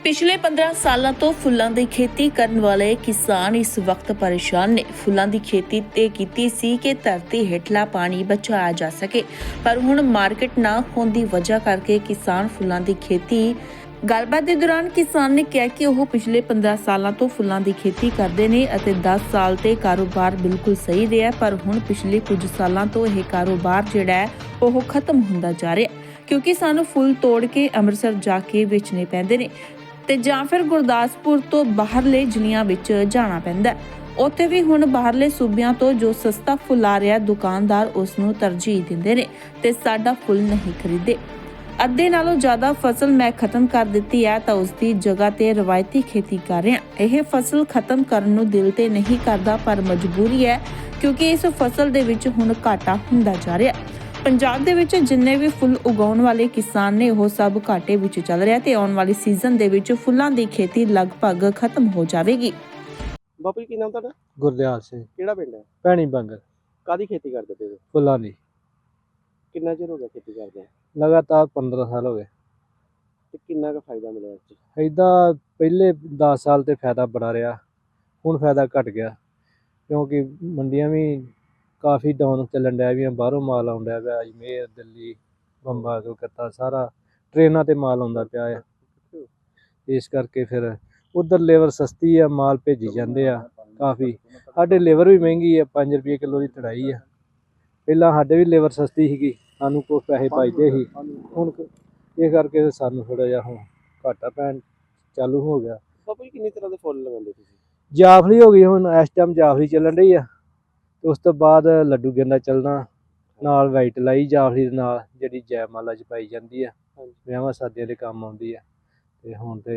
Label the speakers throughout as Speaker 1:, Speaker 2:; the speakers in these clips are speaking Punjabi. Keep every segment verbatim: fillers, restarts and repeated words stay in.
Speaker 1: ਪਿਛਲੇ ਪੰਦਰਾਂ ਸਾਲਾਂ ਤੋਂ ਫੁੱਲਾਂ ਦੀ ਖੇਤੀ ਕਰਨ ਵਾਲੇ ਕਿਸਾਨ ਇਸ ਵਕਤ ਪਰੇਸ਼ਾਨ ਨੇ। ਫੁੱਲਾਂ ਦੀ ਖੇਤੀ ਤੇ ਕੀਤੀ ਸੀ ਕਿ ਧਰਤੀ ਹੇਠਲਾ ਪਾਣੀ ਬਚਾਇਆ ਜਾ ਸਕੇ, ਪਰ ਹੁਣ ਮਾਰਕੀਟ ਨਾ ਹੋਣ ਦੀ ਵਜ੍ਹਾ ਕਰਕੇ ਕਿਸਾਨ ਫੁੱਲਾਂ ਦੀ ਖੇਤੀ ਗੱਲਬਾਤ ਦੇ ਦੌਰਾਨ ਕਿਸਾਨ ਨੇ ਕਿਹਾ ਕਿ ਉਹ ਪਿਛਲੇ ਪੰਦਰਾਂ ਸਾਲਾਂ ਤੋਂ ਫੁੱਲਾਂ ਦੀ ਖੇਤੀ ਕਰਦੇ ਨੇ ਅਤੇ ਦਸ ਸਾਲ ਤੇ ਕਾਰੋਬਾਰ ਬਿਲਕੁਲ ਸਹੀ ਰਿਹਾ, ਪਰ ਹੁਣ ਪਿਛਲੇ ਕੁਝ ਸਾਲਾਂ ਤੋਂ ਇਹ ਕਾਰੋਬਾਰ ਜਿਹੜਾ ਹੈ ਉਹ ਖਤਮ ਹੁੰਦਾ ਜਾ ਰਿਹਾ, ਕਿਉਂਕਿ ਸਾਨੂੰ ਫੁੱਲ ਤੋੜ ਕੇ ਅੰਮ੍ਰਿਤਸਰ ਜਾ ਕੇ ਵੇਚਣੇ ਪੈਂਦੇ ਨੇ ਤੇ ਜਾਂ ਫਿਰ ਗੁਰਦਾਸਪੁਰ ਤੋਂ ਬਾਹਰਲੇ ਜ਼ਿਲ੍ਹਿਆਂ ਵਿੱਚ ਜਾਣਾ ਪੈਂਦਾ। ਉੱਥੇ ਵੀ ਹੁਣ ਬਾਹਰਲੇ ਸੂਬਿਆਂ ਤੋਂ ਜੋ ਸਸਤਾ ਫੁੱਲ ਆ ਰਿਹਾ, ਦੁਕਾਨਦਾਰ ਉਸ ਨੂੰ ਤਰਜੀਹ ਦਿੰਦੇ ਨੇ ਤੇ ਸਾਡਾ ਫੁੱਲ ਨਹੀਂ ਖਰੀਦੇ। ਅੱਧੇ ਨਾਲੋਂ ਜ਼ਿਆਦਾ ਫਸਲ ਮੈਂ ਖਤਮ ਕਰ ਦਿੱਤੀ ਹੈ ਤਾਂ ਉਸ ਦੀ ਜਗ੍ਹਾ ਤੇ ਰਵਾਇਤੀ ਖੇਤੀ ਕਰ ਰਿਹਾ। ਇਹ ਫਸਲ ਖਤਮ ਕਰਨ ਨੂੰ ਦਿਲ ਤੇ ਨਹੀਂ ਕਰਦਾ, ਪਰ ਮਜਬੂਰੀ ਹੈ ਕਿਉਂਕਿ ਇਸ ਫਸਲ ਦੇ ਵਿੱਚ ਹੁਣ ਘਾਟਾ ਹੁੰਦਾ ਜਾ ਰਿਹਾ। ਪੰਜਾਬ ਦੇ ਵਿੱਚ ਜਿੰਨੇ ਵੀ ਫੁੱਲ ਉਗਾਉਣ ਵਾਲੇ ਕਿਸਾਨ ਨੇ ਉਹ ਸਭ ਘਾਟੇ ਵਿੱਚ ਚੱਲ ਰਿਹਾ ਤੇ ਆਉਣ ਵਾਲੀ ਸੀਜ਼ਨ ਦੇ ਵਿੱਚ ਫੁੱਲਾਂ ਦੀ ਖੇਤੀ ਲਗਭਗ ਖਤਮ ਹੋ ਜਾਵੇਗੀ।
Speaker 2: ਬਾਪੂ ਜੀ ਕੀ ਨਾਮ ਤੁਹਾਡਾ?
Speaker 3: ਗੁਰਦਿਆਲ ਸਿੰਘ,
Speaker 2: ਕਿਹੜਾ ਪਿੰਡ ਹੈ?
Speaker 3: ਭੈਣੀ ਬੰਗਲ।
Speaker 2: ਕਾਦੀ ਖੇਤੀ ਕਰਦੇ ਪਏ ਹੋ?
Speaker 3: ਫੁੱਲਾਂ ਦੀ
Speaker 2: ਕਿੰਨਾ ਚਿਰ ਹੋ ਗਿਆ ਖੇਤੀ ਕਰਦੇ ਆ?
Speaker 3: ਲਗਾਤਾਰ ਪੰਦਰਾਂ ਸਾਲ ਹੋ ਗਏ।
Speaker 2: ਤੇ ਕਿੰਨਾ ਕੁ ਫਾਇਦਾ ਮਿਲਿਆ ਇਸ 'ਚ?
Speaker 3: ਏਦਾਂ ਪਹਿਲੇ ਦਸ ਸਾਲ ਤੇ ਫਾਇਦਾ ਬੜਾ ਰਿਹਾ, ਹੁਣ ਫਾਇਦਾ ਘਟ ਗਿਆ ਕਿਉਂਕਿ ਮੰਡੀਆਂ ਵੀ ਕਾਫੀ ਡਾਊਨ ਚੱਲਣ ਡਿਆ ਵੀ, ਬਾਹਰੋਂ ਮਾਲ ਆਉਣ ਡਿਆ ਪਿਆ, ਅਜਮੇਰ, ਦਿੱਲੀ, ਬੰਬਾ, ਕਲਕੱਤਾ ਸਾਰਾ ਟ੍ਰੇਨਾਂ ਤੇ ਮਾਲ ਆਉਂਦਾ ਪਿਆ ਆ। ਇਸ ਕਰਕੇ ਫਿਰ ਉਧਰ ਲੇਬਰ ਸਸਤੀ ਆ, ਮਾਲ ਭੇਜੀ ਜਾਂਦੇ ਆ ਕਾਫੀ। ਸਾਡੇ ਲੇਬਰ ਵੀ ਮਹਿੰਗੀ ਆ, ਪੰਜ ਰੁਪਏ ਕਿਲੋ ਦੀ ਤੜਾਈ ਆ। ਪਹਿਲਾਂ ਸਾਡੇ ਵੀ ਲੇਬਰ ਸਸਤੀ ਸੀਗੀ, ਸਾਨੂੰ ਕੁਛ ਪੈਸੇ ਬਚਦੇ ਸੀ, ਹੁਣ ਇਹ ਕਰਕੇ ਸਾਨੂੰ ਥੋੜਾ ਜਿਹਾ ਹੁਣ ਘਾਟਾ ਪੈਣ ਚਾਲੂ ਹੋ ਗਿਆ।
Speaker 2: ਬਾਪੂ ਜੀ ਕਿੰਨੀ ਤਰ੍ਹਾਂ ਦੇ ਫੁੱਲ ਲਗਾਉਂਦੇ ਤੁਸੀਂ?
Speaker 3: ਜਾਫਲੀ ਹੋ ਗਈ, ਹੁਣ ਇਸ ਟਾਈਮ ਜਾਫਲੀ ਚੱਲਣ ਰਹੀ ਆ, ਤੇ ਉਸ ਤੋਂ ਬਾਅਦ ਲੱਡੂ ਗੇਂਦਾ ਚੱਲਣਾ, ਨਾਲ ਵਾਈਟ ਲਾਈ ਜਾਫਲੀ ਦੇ ਨਾਲ, ਜਿਹੜੀ ਜੈਮਾਲਾ 'ਚ ਪਾਈ ਜਾਂਦੀ ਆ, ਵਿਆਹਾਂ ਸ਼ਾਦੀਆਂ ਦੇ ਕੰਮ ਆਉਂਦੀ ਆ। ਤੇ ਹੁਣ ਤੇ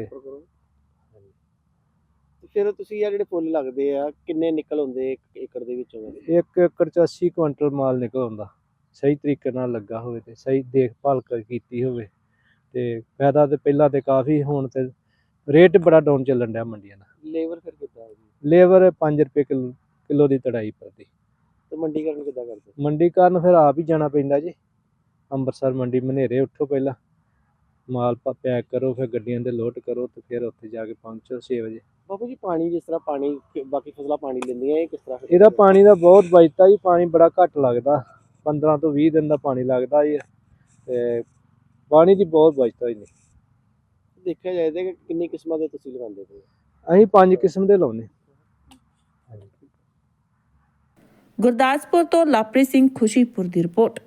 Speaker 2: ਫਿਰ ਤੁਸੀਂ ਆ ਜਿਹੜੇ ਫੁੱਲ ਲੱਗਦੇ ਆ ਕਿੰਨੇ ਨਿਕਲ ਆਉਂਦੇ ਇੱਕ ਏਕੜ ਦੇ ਵਿੱਚੋਂ?
Speaker 3: ਇੱਕ ਏਕੜ 'ਚ ਅੱਸੀ ਕੁਇੰਟਲ ਮਾਲ ਨਿਕਲ ਆਉਂਦਾ, ਸਹੀ ਤਰੀਕੇ ਨਾਲ ਲੱਗਾ ਹੋਵੇ ਤੇ ਸਹੀ ਦੇਖਭਾਲ ਕੀਤੀ ਹੋਵੇ ਤੇ ਫਾਇਦਾ ਤੇ ਪਹਿਲਾਂ ਤੇ ਕਾਫੀ, ਹੁਣ ਤੇ ਰੇਟ ਬੜਾ ਡਾਊਨ ਚੱਲਣ ਡਿਆ ਮੰਡੀਆਂ ਦਾ।
Speaker 2: ਲੇਬਰ ਫਿਰ ਕਿੱਦਾਂ ਹੈ ਜੀ?
Speaker 3: ਲੇਬਰ ਪੰਜ ਰੁਪਏ ਕਿਲੋ ਕਿਲੋ ਦੀ ਤੜਾਈ ਪਰਦੀ।
Speaker 2: ਤੇ ਮੰਡੀਕਰਨ ਕਿੱਦਾਂ ਕਰਦੇ?
Speaker 3: ਮੰਡੀਕਰਨ ਫਿਰ ਆਪ ਹੀ ਜਾਣਾ ਪੈਂਦਾ ਜੀ, ਅੰਮ੍ਰਿਤਸਰ ਮੰਡੀ ਮਨੇਰੇ ਉੱਠੋ, ਪਹਿਲਾਂ ਮਾਲ ਪੈਕ ਕਰੋ, ਫਿਰ ਗੱਡੀਆਂ ਦੇ ਲੋਡ ਕਰੋ ਤੇ ਫਿਰ ਉੱਥੇ ਜਾ ਕੇ ਪਹੁੰਚੋ ਛੇ ਵਜੇ।
Speaker 2: ਬਾਪੂ ਜੀ ਪਾਣੀ ਜਿਸ ਤਰ੍ਹਾਂ ਪਾਣੀ ਬਾਕੀ ਫਸਲਾਂ ਪਾਣੀ ਲੈਂਦੀਆਂ, ਇਹ ਕਿਸ ਤਰ੍ਹਾਂ?
Speaker 3: ਇਹਦਾ ਪਾਣੀ ਦਾ ਬਹੁਤ ਬਚਦਾ ਜੀ, ਪਾਣੀ ਬੜਾ ਘੱਟ ਲੱਗਦਾ, ਪੰਦਰਾਂ ਤੋਂ ਵੀਹ ਦਿਨ ਦਾ ਪਾਣੀ ਲੱਗਦਾ ਜੀ, ਤੇ ਪਾਣੀ ਦੀ ਬਹੁਤ ਬਚਦਾ ਜੀ।
Speaker 2: ਦੇਖਿਆ ਜਾਏ ਤਾਂ ਕਿੰਨੀ ਕਿਸਮਾਂ ਦੇ ਤੁਸੀਂ ਲਗਾਉਂਦੇ ਪਏ?
Speaker 3: ਅਸੀਂ ਪੰਜ ਕਿਸਮ ਦੇ ਲਾਉਂਦੇ।
Speaker 1: ਗੁਰਦਾਸਪੁਰ ਤੋਂ ਲਵਪ੍ਰੀਤ ਸਿੰਘ, ਖੁਸ਼ੀਪੁਰ ਦੀ ਰਿਪੋਰਟ।